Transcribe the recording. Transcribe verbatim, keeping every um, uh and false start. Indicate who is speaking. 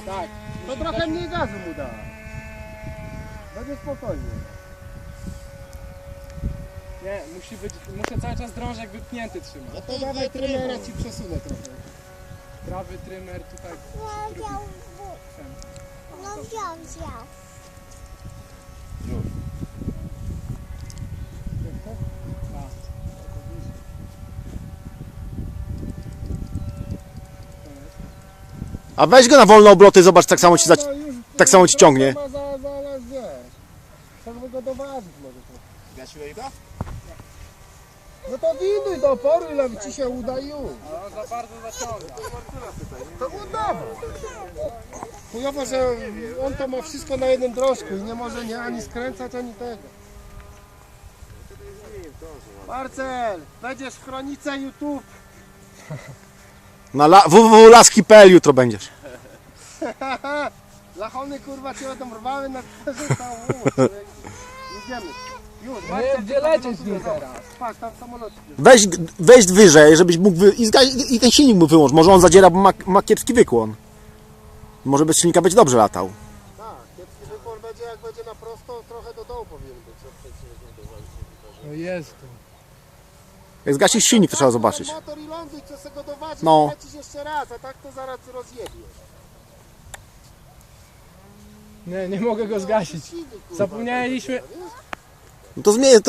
Speaker 1: Tak.
Speaker 2: To trochę mniej gazu mu da. Będzie spokojnie.
Speaker 1: Nie, musi być, muszę cały czas drążek wypnięty trzymać.
Speaker 2: No to dawaj trymera, ci przesunę trochę.
Speaker 1: Prawy trymer tutaj.
Speaker 3: No
Speaker 1: drugi
Speaker 3: wziął,
Speaker 1: ten.
Speaker 3: no wziął, wziął.
Speaker 4: A weź go na wolne obroty, zobacz, tak samo ci, za...
Speaker 2: No już,
Speaker 4: tak samo ci ciągnie.
Speaker 2: Ma za, zaraz, wiesz. Trzeba by go doważyć może.
Speaker 5: Gasiłeś go?
Speaker 2: No to widuj do oporu, ile ci się uda i już.
Speaker 1: Ale on za bardzo zaciąga.
Speaker 2: To udawa. Chujowo, że on to ma wszystko na jednym drążku i nie może nie ani skręcać, ani tego. Marcel, będziesz w chronice YouTube.
Speaker 4: Na la... w w w kropka laski kropka p l jutro będziesz.
Speaker 2: Lachony kurwa cię będą rwały na twarzy całą łódź. Jedziemy. Już, Marcel,
Speaker 1: gdzie lecieć nim teraz?
Speaker 2: Patrz, tam samolot.
Speaker 4: Weź, weź wyżej, żebyś mógł wy... I, zga- I ten silnik mu wyłącz. Może on zadziera, bo ma, ma kiepski wykłon. Może bez silnika będzie dobrze latał.
Speaker 2: Tak, kiepski wykłon będzie, jak będzie na prosto, trochę do dołu powinien być.
Speaker 1: No jest.
Speaker 4: Jak zgasisz silnik, to trzeba zobaczyć.
Speaker 2: Motor i ląduj, co sobie go doważyć,
Speaker 4: No.
Speaker 2: lecisz jeszcze raz, a tak to zaraz rozjebiesz.
Speaker 1: Nie, nie mogę go zgasić.
Speaker 2: Silnik, kurwa,
Speaker 1: Zapomnieliśmy.
Speaker 2: będzie, wiesz?
Speaker 4: No to zmienię.